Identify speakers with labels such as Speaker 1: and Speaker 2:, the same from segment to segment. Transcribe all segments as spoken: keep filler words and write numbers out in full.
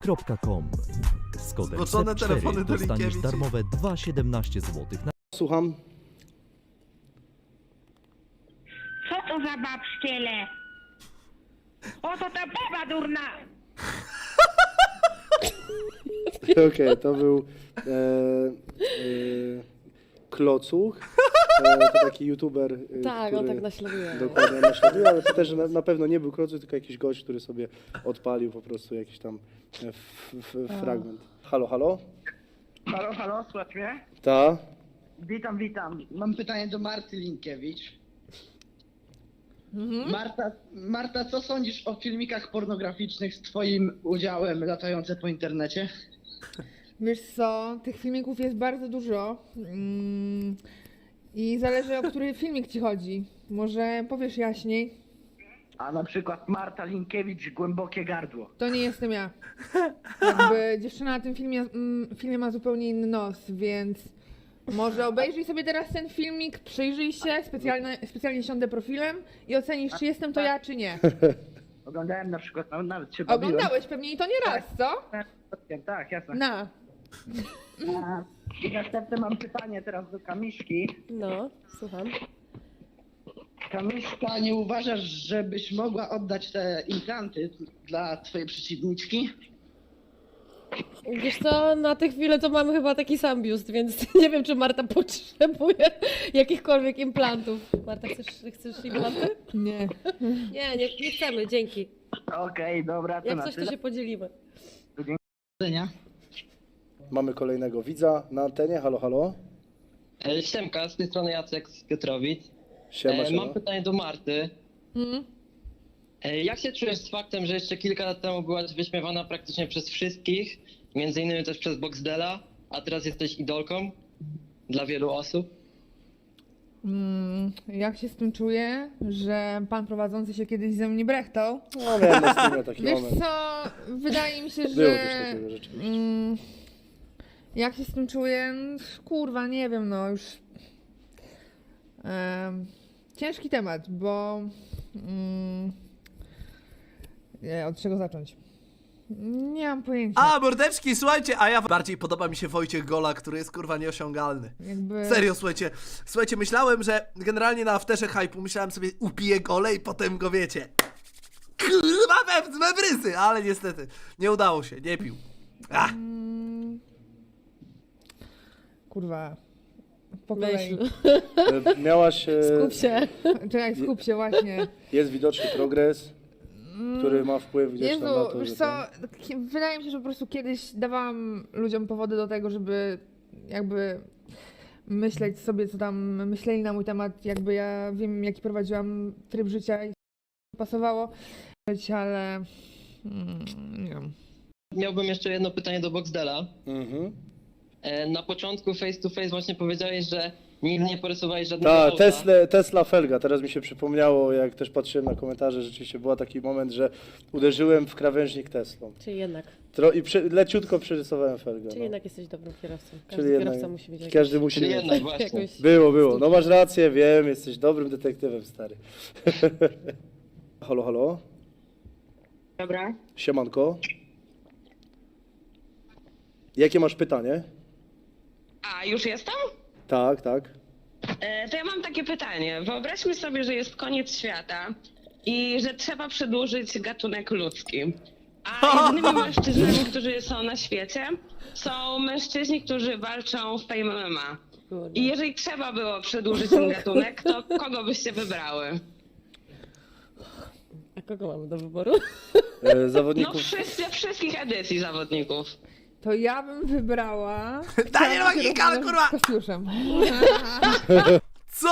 Speaker 1: kropka com. Z kodem
Speaker 2: Zboczone
Speaker 1: S E T cztery
Speaker 2: telefony do
Speaker 1: dostaniesz
Speaker 2: Linkiewicz.
Speaker 1: darmowe dwa przecinek siedemnaście złotych na
Speaker 3: Słucham.
Speaker 4: Co to za babszciele? Oto ta baba durna!
Speaker 3: Okej, to był e, e, Klocuch. E, to taki youtuber, e,
Speaker 5: Tak,
Speaker 3: który
Speaker 5: on tak naśladuje.
Speaker 3: dokładnie naśladuje, ale to też na, na pewno nie był Klocuch, tylko jakiś gość, który sobie odpalił po prostu jakiś tam e, f, f, fragment. Halo, halo?
Speaker 6: Halo, halo, słuchaj mnie?
Speaker 3: Ta?
Speaker 6: Witam, witam. Mam pytanie do Marty Linkiewicz. Marta, Marta, co sądzisz o filmikach pornograficznych z twoim udziałem latające po internecie?
Speaker 7: Wiesz co, tych filmików jest bardzo dużo mm, i zależy, o który filmik ci chodzi. Może powiesz jaśniej?
Speaker 6: A na przykład Marta Linkiewicz, głębokie gardło.
Speaker 7: To nie jestem ja. Jakby dziewczyna na tym filmie, mm, filmie ma zupełnie inny nos, więc może obejrzyj sobie teraz ten filmik, przyjrzyj się, specjalnie, specjalnie siądę profilem i ocenisz, czy jestem to ja, czy nie.
Speaker 6: Oglądałem na przykład, no, nawet się bawiłem.
Speaker 7: Oglądałeś pewnie i to nie raz, co?
Speaker 6: Tak, jasne.
Speaker 7: Na.
Speaker 6: A, I następne mam pytanie teraz do Kamiszki.
Speaker 5: No, słucham.
Speaker 6: Kamiszka, nie uważasz, żebyś mogła oddać te implanty dla twojej przeciwniczki?
Speaker 5: Wiesz co, na tę chwilę to mamy chyba taki sam biust, więc nie wiem, czy Marta potrzebuje jakichkolwiek implantów. Marta, chcesz, chcesz implanty?
Speaker 7: Nie.
Speaker 5: Nie, nie, nie chcemy, dzięki.
Speaker 6: Okej, dobra, to
Speaker 5: Jak
Speaker 6: na
Speaker 5: coś, to
Speaker 6: tyle.
Speaker 5: się podzielimy.
Speaker 6: Widzenia.
Speaker 3: Mamy kolejnego widza na antenie. Halo, halo?
Speaker 8: E, Siemka, z tej strony Jacek z Piotrowic.
Speaker 3: Siema,
Speaker 8: E,
Speaker 3: siema.
Speaker 8: Mam pytanie do Marty.
Speaker 7: Mm?
Speaker 8: E, Jak się czujesz z faktem, że jeszcze kilka lat temu byłaś wyśmiewana praktycznie przez wszystkich, między innymi też przez Boxdela, a teraz jesteś idolką dla wielu osób?
Speaker 7: Mm, jak się z tym czuję, że pan prowadzący się kiedyś ze mnie brechtał?
Speaker 3: No, miałem na streamie taki
Speaker 7: Wiesz
Speaker 3: moment.
Speaker 7: co, wydaje mi się, że...
Speaker 3: Było coś takiego rzeczywiście.
Speaker 7: Mm, jak się z tym czuję? Kurwa, nie wiem, no już... Em, ciężki temat, bo... Mm, nie, od czego zacząć? Nie mam pojęcia.
Speaker 2: A, mordeczki, słuchajcie, a ja bardziej podoba mi się Wojciech Gola, który jest kurwa nieosiągalny.
Speaker 7: Jakby...
Speaker 2: Serio, słuchajcie, słuchajcie, myślałem, że generalnie na afterze hype'u myślałem sobie, upiję Gole i potem go wiecie. Kurwa, we, we brysy, ale niestety, nie udało się, nie pił. Ach.
Speaker 7: Mm, kurwa. Po kolei.
Speaker 5: Myśl,
Speaker 3: E, Miałaś... e,
Speaker 5: skup się.
Speaker 7: Czekaj, skup się, właśnie.
Speaker 3: Jest widoczny progres, który ma wpływ gdzieś
Speaker 7: Jezu,
Speaker 3: tam na to,
Speaker 7: wiesz
Speaker 3: że
Speaker 7: co,
Speaker 3: ten-
Speaker 7: ki- wydaje mi się, że po prostu kiedyś dawałam ludziom powody do tego, żeby jakby myśleć sobie, co tam myśleli na mój temat, jakby ja wiem, jaki prowadziłam tryb życia i pasowało, ale mm, nie wiem.
Speaker 8: Miałbym jeszcze jedno pytanie do Boxdela.
Speaker 3: Mhm.
Speaker 8: E, Na początku face to face właśnie powiedziałeś, że nigdy nie porysowałeś żadnego
Speaker 3: Ta,
Speaker 8: auta.
Speaker 3: Tesla, Tesla Felga, teraz mi się przypomniało, jak też patrzyłem na komentarze, rzeczywiście był taki moment, że uderzyłem w krawężnik Teslą.
Speaker 5: Czyli jednak,
Speaker 3: Tro, I przy, leciutko przerysowałem Felgę.
Speaker 5: czyli
Speaker 3: no.
Speaker 5: jednak jesteś dobrym kierowcą. Każdy
Speaker 3: Czyli jednak,
Speaker 5: kierowca musi mieć
Speaker 3: każdy musi
Speaker 8: Czyli
Speaker 3: mieć.
Speaker 8: jednak właśnie.
Speaker 5: jakąś...
Speaker 3: Było, było. No masz rację, wiem, jesteś dobrym detektywem, stary. Halo, halo?
Speaker 4: Dobra.
Speaker 3: Siemanko. Jakie masz pytanie?
Speaker 4: A, już jestem?
Speaker 3: Tak, tak.
Speaker 4: E, to ja mam takie pytanie. Wyobraźmy sobie, że jest koniec świata i że trzeba przedłużyć gatunek ludzki. A jedynymi mężczyznami, którzy są na świecie, są mężczyźni, którzy walczą w Fame M M A.
Speaker 5: Kurde.
Speaker 4: I jeżeli trzeba było przedłużyć ten gatunek, to kogo byście wybrały?
Speaker 5: A kogo mamy do wyboru?
Speaker 3: E,
Speaker 4: No
Speaker 3: zawodników.
Speaker 4: wszyscy, wszystkich edycji zawodników.
Speaker 7: To ja bym wybrała...
Speaker 2: Daniel Magika, ale kurwa!
Speaker 7: Z Kostiuszem.
Speaker 2: Co?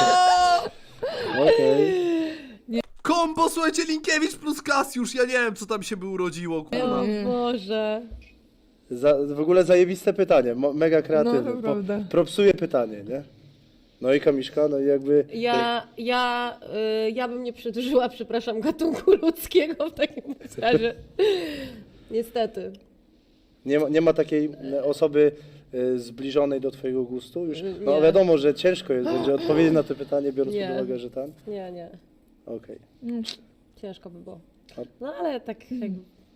Speaker 3: Okej.
Speaker 2: Kombo, słuchajcie, Linkiewicz plus Kasiusz, ja nie wiem, co tam się by urodziło, kurwa.
Speaker 5: O Boże.
Speaker 3: Za, w ogóle zajebiste pytanie, mo- mega kreatywne.
Speaker 7: No, to prawda.
Speaker 3: propsuje pytanie, nie? No i Kamiszka, no i jakby...
Speaker 5: Ja, ja, y, ja bym nie przedłużyła, przepraszam, gatunku ludzkiego w takim razie. Niestety.
Speaker 3: Nie ma, nie ma takiej e, osoby e, zbliżonej do twojego gustu? Już, no
Speaker 5: Nie.
Speaker 3: wiadomo, że ciężko jest będzie odpowiedzieć na to pytanie, biorąc
Speaker 5: Nie.
Speaker 3: pod uwagę, że tam.
Speaker 5: Nie, nie.
Speaker 3: Okej.
Speaker 5: Ciężko by było.
Speaker 3: A-
Speaker 5: No ale tak jakby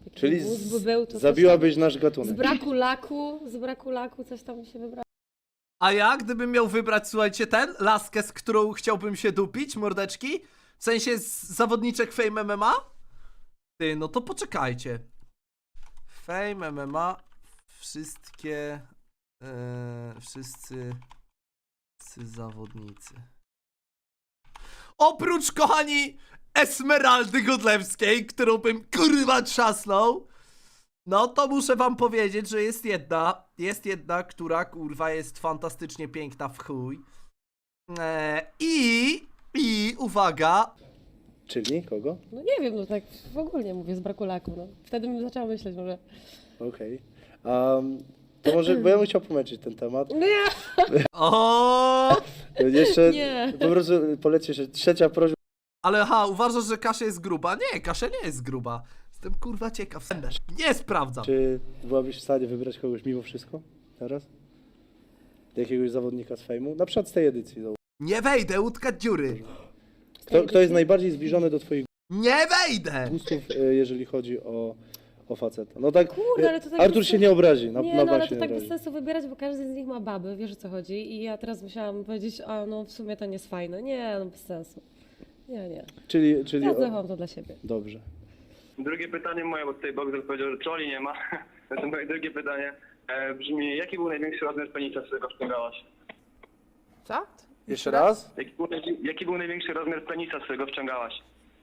Speaker 5: Taki
Speaker 3: Czyli
Speaker 5: mózg by
Speaker 3: z,
Speaker 5: był, to coś
Speaker 3: zabiłabyś nasz
Speaker 5: tam, z
Speaker 3: gatunek.
Speaker 5: braku laku, z braku laku coś tam mi się wybrało.
Speaker 2: A ja, gdybym miał wybrać, słuchajcie, ten, laskę, z którą chciałbym się dupić, mordeczki, w sensie z zawodniczek Fame M M A? Ty, no to poczekajcie. Fame M M A, wszystkie, e, wszyscy, wszyscy zawodnicy. Oprócz, kochani, Esmeraldy Godlewskiej, którą bym kurwa trzasnął, no to muszę wam powiedzieć, że jest jedna, jest jedna, która kurwa jest fantastycznie piękna w chuj. Eee, I, i uwaga,
Speaker 3: Czyli kogo?
Speaker 5: No nie wiem, no tak w ogóle mówię z braku laku, no. Wtedy bym zaczęła myśleć może.
Speaker 3: Okej. Um, to może, bo ja bym chciał pomęczyć ten temat.
Speaker 5: Nie!
Speaker 2: o,
Speaker 3: Jeszcze
Speaker 5: Nie.
Speaker 3: po prostu polecisz, że trzecia prośba.
Speaker 2: ale ha, uważasz, że Kasia jest gruba? Nie, Kasia nie jest gruba. Jestem kurwa ciekaw, nie sprawdzam.
Speaker 3: Czy byłabyś w stanie wybrać kogoś mimo wszystko teraz? Jakiegoś zawodnika z fejmu? Na przykład z tej edycji. załóż.
Speaker 2: Nie wejdę, utkać dziury.
Speaker 3: Kto, kto jest najbardziej zbliżony do twoich
Speaker 2: Nie wejdę!
Speaker 3: gustów, e, jeżeli chodzi o, o faceta? No tak,
Speaker 5: Kurde, ale to tak
Speaker 3: Artur
Speaker 5: bez
Speaker 3: się
Speaker 5: sensu.
Speaker 3: nie obrazi, na,
Speaker 5: Nie,
Speaker 3: na
Speaker 5: no ale
Speaker 3: bank się
Speaker 5: to
Speaker 3: nie
Speaker 5: tak bez
Speaker 3: obrazi.
Speaker 5: sensu wybierać, bo każdy z nich ma baby, wiesz o co chodzi. I ja teraz musiałam powiedzieć, a no w sumie to nie jest fajne. Nie, no bez sensu. Nie, nie.
Speaker 3: Czyli, czyli
Speaker 5: Ja
Speaker 3: o,
Speaker 5: zachowam to dla siebie.
Speaker 3: dobrze.
Speaker 9: Drugie pytanie moje, bo tutaj Boxer powiedział, że trolli nie ma. To moje drugie pytanie e, brzmi, jaki był największy rozmiar penisa, z którego wciągałaś?
Speaker 7: Co?
Speaker 3: Jeszcze raz?
Speaker 9: Jaki był, najwi- jaki był największy rozmiar penisa, z którego wciągałaś?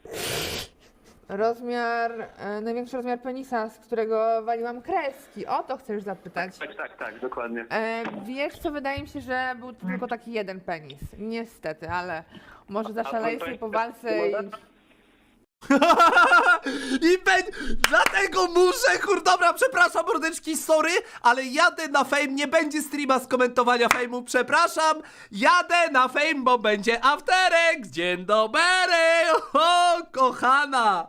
Speaker 7: Rozmiar, e, największy rozmiar penisa, z którego waliłam kreski. O to chcesz zapytać.
Speaker 9: Tak, tak, tak, dokładnie.
Speaker 7: E, wiesz co, wydaje mi się, że był to tylko taki jeden penis. Niestety, ale może zaszaleję sobie po walce i...
Speaker 2: I ben... Dlatego muszę, kur... Dobra, przepraszam mordeczki, sorry, ale jadę na Fame, nie będzie streama z komentowania Fame'u, przepraszam. Jadę na Fame, bo będzie afterek. Dzień dobry, o, kochana.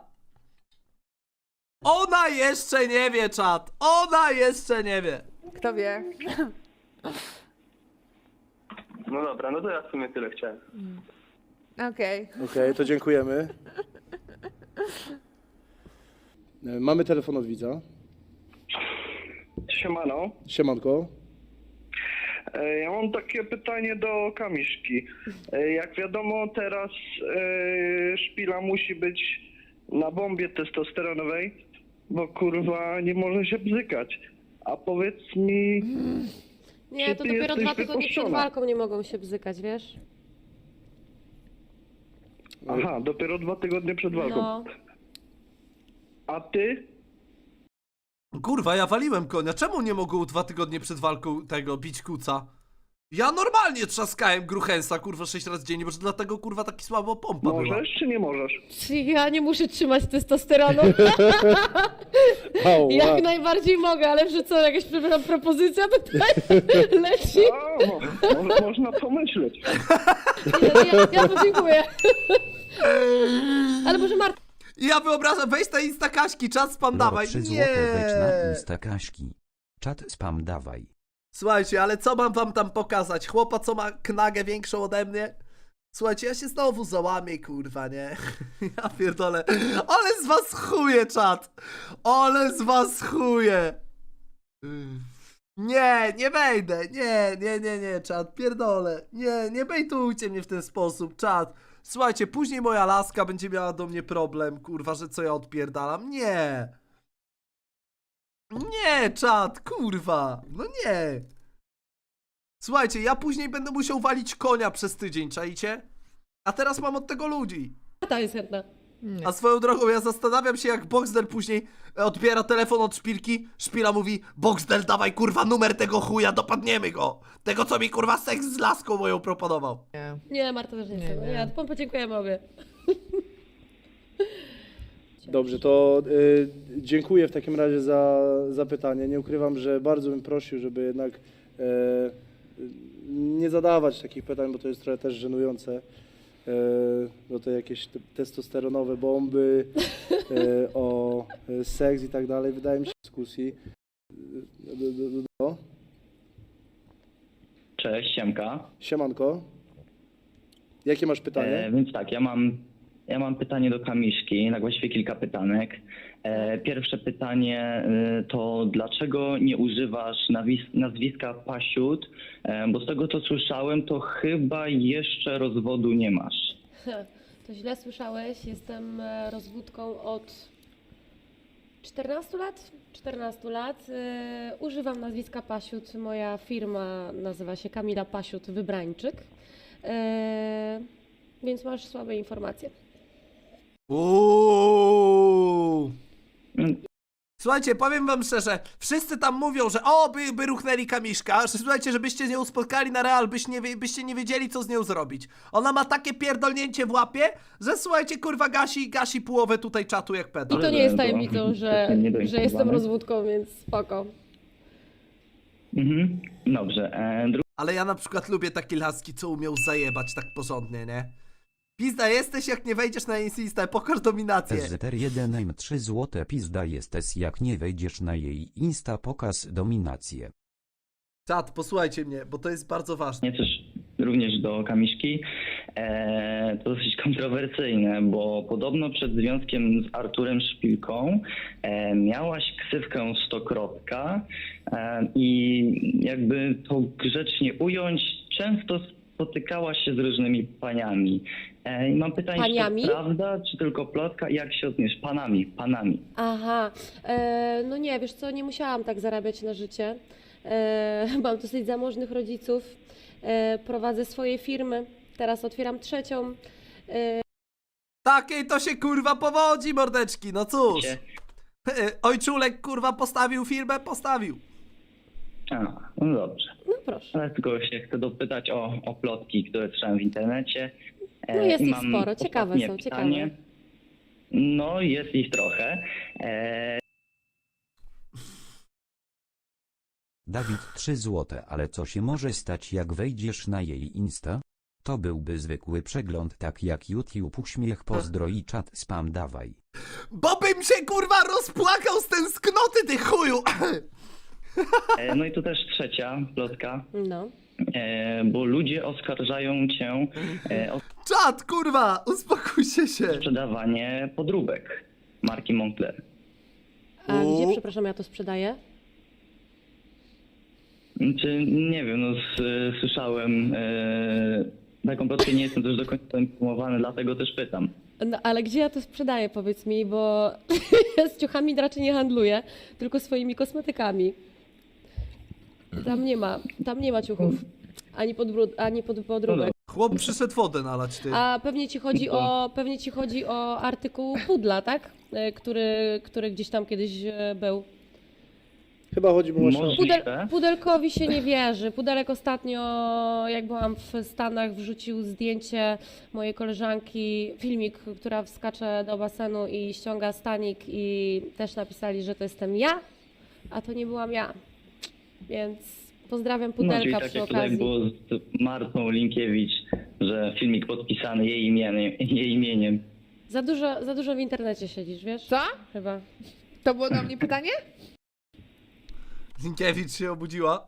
Speaker 2: Ona jeszcze nie wie, czat. Ona jeszcze nie wie.
Speaker 7: Kto wie?
Speaker 9: No dobra, no to ja w sumie tyle chciałem.
Speaker 7: Okej.
Speaker 3: Okej, to dziękujemy. E, Mamy telefon od widza.
Speaker 9: Siemano.
Speaker 3: Siemanko.
Speaker 9: E, Ja mam takie pytanie do Kamiszki. E, Jak wiadomo, teraz e, szpila musi być na bombie testosteronowej, bo kurwa nie może się bzykać. A powiedz mi,
Speaker 5: Nie,
Speaker 9: Czy
Speaker 5: to
Speaker 9: ty
Speaker 5: dopiero
Speaker 9: jesteś
Speaker 5: dwa tygodnie przed
Speaker 9: wypuszczona?
Speaker 5: walką nie mogą się bzykać, wiesz?
Speaker 9: aha, dopiero dwa tygodnie przed walką.
Speaker 5: No.
Speaker 9: A ty?
Speaker 2: Kurwa, ja waliłem konia. Czemu nie mogą dwa tygodnie przed walką tego bić kuca? Ja normalnie trzaskałem Gruchensa, kurwa, sześć razy dziennie, może dlatego, kurwa, taki słabo pompa była.
Speaker 9: Możesz czy nie możesz?
Speaker 5: Czy ja nie muszę trzymać testosteronu?
Speaker 3: Au,
Speaker 5: Jak
Speaker 3: wow.
Speaker 5: najbardziej mogę, ale że co, jakaś przepraszam, propozycja tutaj leci?
Speaker 9: A, mo, mo, można pomyśleć.
Speaker 5: Nie, ja, ja podziękuję. Ale może Marta...
Speaker 2: Ja wyobrażam, weź na Insta Kaśki, czas spam dawaj.
Speaker 1: trzy
Speaker 2: Nie.
Speaker 1: złote wejdź na Insta Kaśki. Czat spam dawaj.
Speaker 2: Słuchajcie, ale co mam wam tam pokazać? Chłopa, co ma knagę większą ode mnie? Słuchajcie, ja się znowu załamię, kurwa, nie? Ja pierdolę. Ale z was chuje, czat. Ale z was chuje. Nie, nie wejdę. Nie, nie, nie, nie, czat. Pierdolę. Nie, nie bejtujcie mnie w ten sposób, czat. Słuchajcie, później moja laska będzie miała do mnie problem, kurwa, że co ja odpierdalam. Nie. Nie, czat, kurwa. No nie. Słuchajcie, ja później będę musiał walić konia przez tydzień, czaicie? A teraz mam od tego ludzi.
Speaker 5: Marta jest chętna.
Speaker 7: Nie.
Speaker 2: A swoją drogą, ja zastanawiam się, jak Boxdel później odbiera telefon od Szpilki. Szpila mówi: Boxdel, dawaj kurwa numer tego chuja, dopadniemy go. Tego, co mi kurwa seks z laską moją proponował.
Speaker 7: Nie.
Speaker 5: Nie, Marta też nie chce.
Speaker 7: Nie,
Speaker 5: Nie,
Speaker 7: nie.
Speaker 5: nie, to podziękujemy obie.
Speaker 3: Dobrze, to y, dziękuję w takim razie za, za pytanie. Nie ukrywam, że bardzo bym prosił, żeby jednak e, nie zadawać takich pytań, bo to jest trochę też żenujące. E, bo to jakieś te- testosteronowe bomby, e, o e, seks i tak dalej. Wydaje mi się dyskusji. E, do, do, do, do.
Speaker 10: Cześć, Siemka.
Speaker 3: Siemanko. Jakie masz pytanie?
Speaker 10: E, więc tak, ja mam, ja mam pytanie do Kamiszki, tak właściwie kilka pytanek. E, pierwsze pytanie e, to dlaczego nie używasz nawis- nazwiska Pasiut? E, bo z tego co słyszałem, to chyba jeszcze rozwodu nie masz.
Speaker 5: To źle słyszałeś, jestem e, rozwódką od czternastu lat. czternastu lat. E, używam nazwiska Pasiut. Moja firma nazywa się Kamila Pasiut Wybrańczyk. E, więc masz słabe informacje.
Speaker 2: Uuu.
Speaker 10: Mm.
Speaker 2: Słuchajcie, powiem wam szczerze, wszyscy tam mówią, że o, by, by ruchnęli Kamiszka, że słuchajcie, żebyście z nią spotkali na real, byś nie, wie- byście nie wiedzieli, co z nią zrobić. Ona ma takie pierdolnięcie w łapie, że słuchajcie, kurwa, gasi, gasi połowę tutaj czatu jak
Speaker 5: I
Speaker 2: pedał.
Speaker 5: to nie jest tajemnicą, że,
Speaker 10: Nie
Speaker 5: że jestem
Speaker 10: doinformowany.
Speaker 5: rozwódką, więc spoko.
Speaker 10: Mhm. Dobrze. E,
Speaker 2: Ale ja na przykład lubię takie laski, co umiał zajebać tak porządnie, nie? Pizda jesteś, jak nie wejdziesz na Insta, pokaż dominację.
Speaker 1: S Z R jeden im trzy złote pizda jesteś jak nie wejdziesz na jej Insta pokaz dominację.
Speaker 2: Czat, posłuchajcie mnie, bo to jest bardzo ważne.
Speaker 10: Nie, też również do Kamiszki. E, to dosyć kontrowersyjne, bo podobno przed związkiem z Arturem Szpilką e, miałaś ksywkę Stokrotka e, i jakby to grzecznie ująć, często spotykałaś się z różnymi paniami. E, i mam pytanie,
Speaker 5: Paniami?
Speaker 10: czy to prawda, czy tylko plotka? Jak się odniesz? Panami, panami.
Speaker 5: Aha, e, no nie, wiesz co, nie musiałam tak zarabiać na życie. E, mam dosyć zamożnych rodziców, e, prowadzę swoje firmy, teraz otwieram trzecią.
Speaker 2: Takiej to się kurwa powodzi, mordeczki, no cóż.
Speaker 10: Się-
Speaker 2: Ojczulek kurwa postawił firmę, postawił.
Speaker 10: A, no dobrze.
Speaker 5: No proszę.
Speaker 10: Ale tylko się chcę dopytać o, o plotki, które słyszałem w internecie. E,
Speaker 5: No jest
Speaker 10: i
Speaker 5: ich
Speaker 10: mam
Speaker 5: sporo, ciekawe
Speaker 10: ostatnie
Speaker 5: są,
Speaker 10: pytanie.
Speaker 5: ciekawe.
Speaker 10: No jest ich trochę. E,
Speaker 1: Dawid trzy złote, ale co się może stać jak wejdziesz na jej Insta? To byłby zwykły przegląd tak jak YouTube uśmiech pozdro i czat spam dawaj.
Speaker 2: Bo bym się kurwa rozpłakał z tęsknoty, ty chuju!
Speaker 10: e, no i tu też trzecia plotka,
Speaker 5: No.
Speaker 10: e, bo ludzie oskarżają cię e, o
Speaker 2: Czat, kurwa, uspokójcie się.
Speaker 10: sprzedawanie podróbek marki Moncler.
Speaker 5: A
Speaker 2: U.
Speaker 5: gdzie, przepraszam, ja to sprzedaję?
Speaker 10: Czy nie wiem, no s, słyszałem e, taką plotkę, nie jestem też do końca poinformowany, dlatego też pytam.
Speaker 5: No ale gdzie ja to sprzedaję, powiedz mi, bo z ciuchami raczej nie handluję, tylko swoimi kosmetykami. Tam nie ma, tam nie ma ciuchów, ani, podbród, ani pod, podróbek.
Speaker 2: Chłop przyszedł wodę nalać, ty.
Speaker 5: A pewnie ci chodzi o, pewnie ci chodzi o artykuł pudla, tak? E, Który, który gdzieś tam kiedyś e, był.
Speaker 3: Chyba chodzi mu właśnie o...
Speaker 10: Może-
Speaker 5: Pudel,
Speaker 10: Możliwe.
Speaker 5: pudelkowi się nie wierzy. Pudelek ostatnio, jak byłam w Stanach, wrzucił zdjęcie mojej koleżanki, filmik, która wskacze do basenu i ściąga stanik i też napisali, że to jestem ja, a to nie byłam ja. Więc pozdrawiam
Speaker 10: No, czyli
Speaker 5: Pudelka
Speaker 10: tak
Speaker 5: przy
Speaker 10: jak tutaj
Speaker 5: okazji.
Speaker 10: było z Martą Linkiewicz, że filmik podpisany jej imieniem. Jej imieniem.
Speaker 5: Za dużo, za dużo w internecie siedzisz, wiesz?
Speaker 7: Co?
Speaker 5: Chyba.
Speaker 7: To było do mnie pytanie?
Speaker 2: Zinkiewicz się obudziła.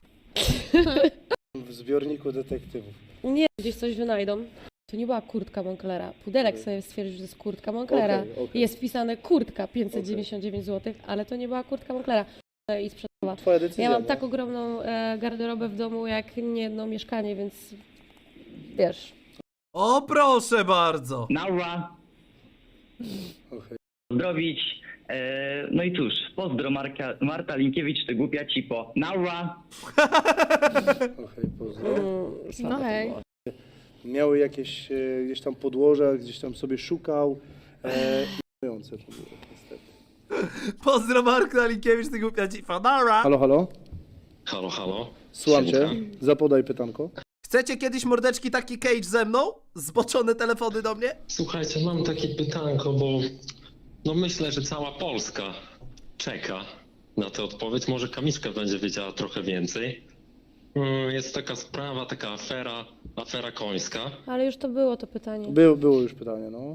Speaker 3: w zbiorniku detektywów.
Speaker 5: Nie, gdzieś coś wynajdą. To nie była kurtka Monclera. Pudelek sobie stwierdził, że to jest kurtka Monclera.
Speaker 3: Okej, okej.
Speaker 5: Jest wpisane kurtka pięćset dziewięćdziesiąt dziewięć złotych, ale to nie była kurtka Monclera. I sprzedała.
Speaker 3: Twoja decyzja.
Speaker 5: Ja mam
Speaker 3: no.
Speaker 5: tak ogromną e, garderobę w domu, jak nie jedno mieszkanie, więc wiesz.
Speaker 2: O proszę bardzo.
Speaker 10: Naura!
Speaker 3: Okej.
Speaker 10: Pozdrowić. E, no i cóż, pozdro Marka, Marta Linkiewicz, ty głupia cipo. Naura!
Speaker 3: Okej, pozdro.
Speaker 5: Mm, słabe
Speaker 7: No
Speaker 5: to
Speaker 7: hej.
Speaker 5: było.
Speaker 3: Miały jakieś e, gdzieś tam podłoża, gdzieś tam sobie szukał. E, i to było, niestety.
Speaker 2: Pozdro Mark Nalinkiewicz, ty głupia dzifa. Nara.
Speaker 3: Halo, halo?
Speaker 11: Halo, halo.
Speaker 3: Słucham cię.
Speaker 11: Siemka.
Speaker 3: Zapodaj pytanko.
Speaker 2: Chcecie kiedyś mordeczki taki cage ze mną? Zboczone telefony do mnie?
Speaker 11: Słuchajcie, mam takie pytanko, bo no myślę, że cała Polska czeka na tę odpowiedź. Może Kamiszka będzie wiedziała trochę więcej. Mm, Jest taka sprawa, taka afera, afera końska.
Speaker 5: Ale już to było to pytanie.
Speaker 3: Było, było już pytanie, no.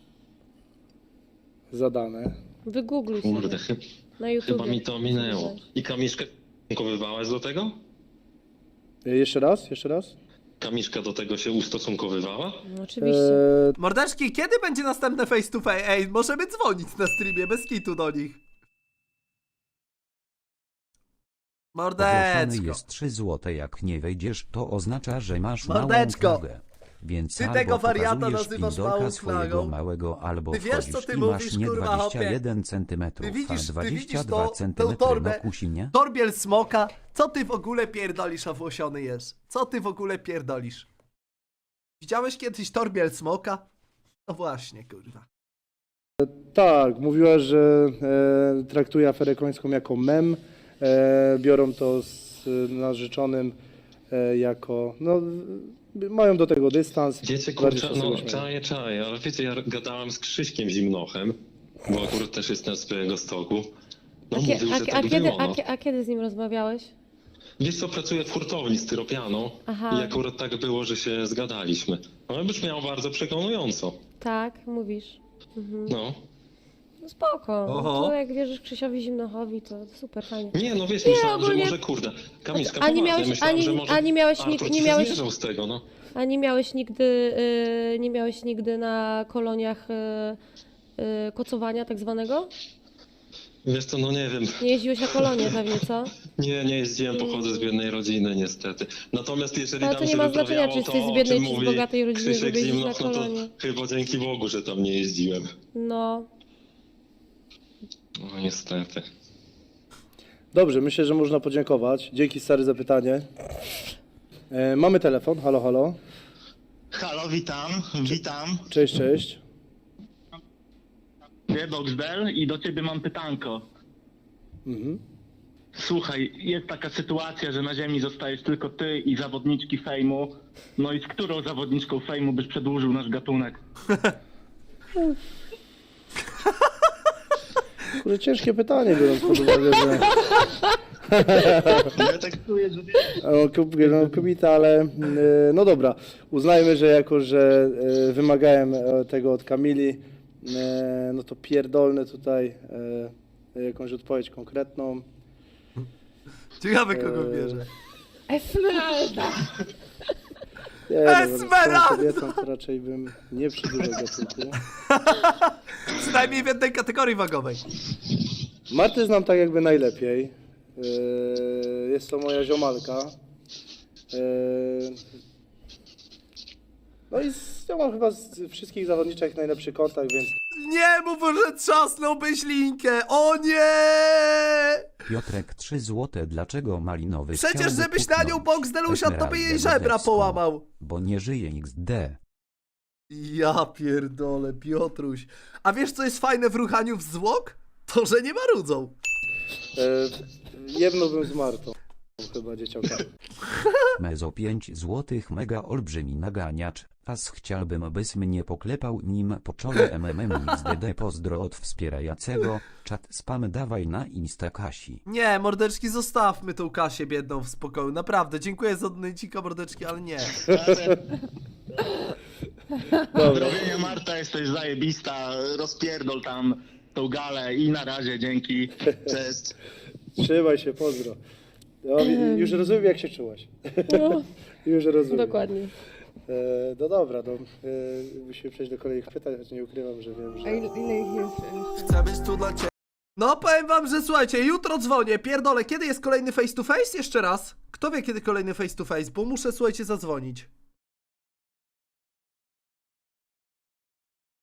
Speaker 3: Zadane.
Speaker 5: Wygoogluj
Speaker 11: Kurde,
Speaker 5: sobie
Speaker 11: chy-
Speaker 5: na YouTube.
Speaker 11: chyba mi to minęło. I Kamiszkę stosunkowywałaś do tego?
Speaker 3: E, jeszcze raz, jeszcze raz.
Speaker 11: Kamiszka do tego się ustosunkowywała?
Speaker 5: No, oczywiście.
Speaker 3: E,
Speaker 2: Mordeczki, kiedy będzie następne face to face? Ej, możemy dzwonić na streamie, bez kitu do nich.
Speaker 1: Ogłoszony
Speaker 2: Mordeczko.
Speaker 1: jest trzy złote, jak nie wejdziesz, to oznacza, że masz
Speaker 2: Mordeczko.
Speaker 1: małą knagę. Więc
Speaker 2: Ty
Speaker 1: albo
Speaker 2: tego wariata
Speaker 1: pokazujesz
Speaker 2: nazywasz
Speaker 1: pindolka
Speaker 2: małą
Speaker 1: swojego
Speaker 2: knagą?
Speaker 1: małego, albo
Speaker 2: Ty wiesz, co
Speaker 1: wchodzisz
Speaker 2: ty
Speaker 1: i
Speaker 2: mówisz,
Speaker 1: masz nie
Speaker 2: kurwa, hopie?
Speaker 1: dwadzieścia jeden centymetrów,
Speaker 2: Ty widzisz-
Speaker 1: a
Speaker 2: ty
Speaker 1: dwadzieścia
Speaker 2: widzisz
Speaker 1: dwa
Speaker 2: to- tę
Speaker 1: centymetry,
Speaker 2: torbę?
Speaker 1: no kusi mnie?
Speaker 2: Torbiel smoka, co ty w ogóle pierdolisz, owłosiony jest? Co ty w ogóle pierdolisz? Widziałeś kiedyś torbiel smoka? No właśnie, kurwa.
Speaker 3: tak, mówiła, że e, traktuje aferę końską jako mem. E, biorą to z e, narzeczonym e, jako, no, mają do tego dystans.
Speaker 11: Wiecie,
Speaker 3: bardziej
Speaker 11: kurczę,
Speaker 3: się z
Speaker 11: no
Speaker 3: tego śmieją.
Speaker 11: czaję, czaję, ale wiecie, ja gadałem z Krzyśkiem Zimnochem, bo akurat też jestem z Białegostoku. No
Speaker 5: A, kie-
Speaker 11: mówił,
Speaker 5: a,
Speaker 11: że
Speaker 5: a,
Speaker 11: tak
Speaker 5: kiedy,
Speaker 11: było,
Speaker 5: a,
Speaker 11: no.
Speaker 5: kie- a kiedy z nim rozmawiałeś?
Speaker 11: Wiesz co, pracuję w hurtowni styropianą
Speaker 5: Aha.
Speaker 11: i akurat tak było, że się zgadaliśmy. No brzmiało bardzo przekonująco.
Speaker 5: Tak, mówisz. Mhm.
Speaker 11: No.
Speaker 5: No spoko.
Speaker 2: Oho.
Speaker 5: To jak wierzysz Krzysiowi Zimnochowi, to super, fajnie.
Speaker 11: Nie, no wiesz,
Speaker 5: Nie,
Speaker 11: myślałem,
Speaker 5: ogólnie-
Speaker 11: że może kurde. Kamiszka,
Speaker 5: A nie
Speaker 11: poważnie,
Speaker 5: miałeś-
Speaker 11: myślałem,
Speaker 5: ani-
Speaker 11: że może
Speaker 5: ani miałeś nik-
Speaker 11: Artur
Speaker 5: nie
Speaker 11: ci
Speaker 5: miałeś-
Speaker 11: się zmierzał z tego, no.
Speaker 5: A nie miałeś nigdy, y, nie miałeś nigdy na koloniach y, y, kocowania tak zwanego?
Speaker 11: Wiesz co, no nie wiem.
Speaker 5: Nie jeździłeś na kolonie pewnie, co?
Speaker 11: Nie, nie jeździłem, pochodzę z biednej rodziny niestety. Natomiast jeżeli
Speaker 5: Ale
Speaker 11: tam
Speaker 5: to nie
Speaker 11: się
Speaker 5: ma znaczenia,
Speaker 11: wyprawiało
Speaker 5: czy jesteś
Speaker 11: to,
Speaker 5: z
Speaker 11: o
Speaker 5: biednej,
Speaker 11: czym
Speaker 5: czy z
Speaker 11: mówi
Speaker 5: bogatej rodziny,
Speaker 11: Krzysiek
Speaker 5: żeby jeździć
Speaker 11: Zimnoch,
Speaker 5: na
Speaker 11: no to
Speaker 5: kolonie.
Speaker 11: chyba dzięki Bogu, że tam nie jeździłem.
Speaker 5: No.
Speaker 11: No niestety.
Speaker 3: Dobrze, myślę, że można podziękować. Dzięki, stary, za pytanie. E, mamy telefon, halo, halo.
Speaker 12: Halo, witam, witam.
Speaker 3: Cześć, cześć.
Speaker 12: Boxdel i do ciebie mam pytanko.
Speaker 3: Mhm.
Speaker 12: Słuchaj, jest taka sytuacja, że na ziemi zostajesz tylko ty i zawodniczki fejmu. No i z którą zawodniczką fejmu byś przedłużył nasz gatunek?
Speaker 3: Kurde, ciężkie pytanie, biorąc pod uwagę, że...
Speaker 12: Ja tak czuję, że...
Speaker 3: O, kob- no, kobieta, ale e, no dobra, uznajmy, że jako, że e, wymagałem e, tego od Kamili, e, no to pierdolny tutaj e, jakąś odpowiedź konkretną.
Speaker 2: Ciekawe kogo
Speaker 3: Eee,
Speaker 2: bierze.
Speaker 7: Esmeralda!
Speaker 3: Nie, no, z
Speaker 2: Esmeralda!
Speaker 3: tą kobietą to raczej bym nie przedłużał gatunku.
Speaker 2: Przynajmniej w jednej kategorii wagowej.
Speaker 3: Martę znam tak jakby najlepiej. E, jest to moja ziomalka. E, no i z nią mam chyba z wszystkich zawodniczek najlepszy kontakt, więc
Speaker 2: Nie mów, że trzasnąłbyś linkę! O nie!
Speaker 1: Piotrek trzy złote, dlaczego malinowy
Speaker 2: Przecież
Speaker 1: chciałby
Speaker 2: żebyś na nią
Speaker 1: puknąć
Speaker 2: Boxdel usiadł, to by jej
Speaker 1: Esmeraldę
Speaker 2: żebra
Speaker 1: Modecką,
Speaker 2: połamał.
Speaker 1: Bo nie żyje X D.
Speaker 2: Ja pierdolę, Piotruś. A wiesz, co jest fajne w ruchaniu w zwłok? To, że nie marudzą.
Speaker 3: e, jednąłbym z Martą. Chyba dzieciaka.
Speaker 1: Mezo pięć złotych, mega olbrzymi naganiacz. Was chciałbym, byś mnie poklepał nim po czole M M M X D D. Pozdro od wspierającego. Czat spam dawaj na Insta Kasi.
Speaker 2: Nie, mordeczki, zostawmy tą Kasię biedną w spokoju. Naprawdę, dziękuję za odnęcika, mordeczki, ale nie.
Speaker 3: Dobra.
Speaker 12: Pozdrowienia Marta, jesteś zajebista, rozpierdol tam tą galę i na razie, dzięki, cześć.
Speaker 3: Trzymaj się, pozdro. No, i- już rozumiem, jak się czułaś.
Speaker 5: No,
Speaker 3: Już rozumiem.
Speaker 5: dokładnie.
Speaker 3: E, no dobra, no, e, musimy przejść do kolejnych pytań, choć nie ukrywam, że wiem,
Speaker 7: A
Speaker 3: że...
Speaker 7: ile, ile ich jest?
Speaker 2: Chcę być tu dla ciebie. No, powiem wam, że słuchajcie, jutro dzwonię, pierdolę, kiedy jest kolejny face to face? Jeszcze raz. Kto wie, kiedy kolejny face to face, bo muszę, słuchajcie, zadzwonić.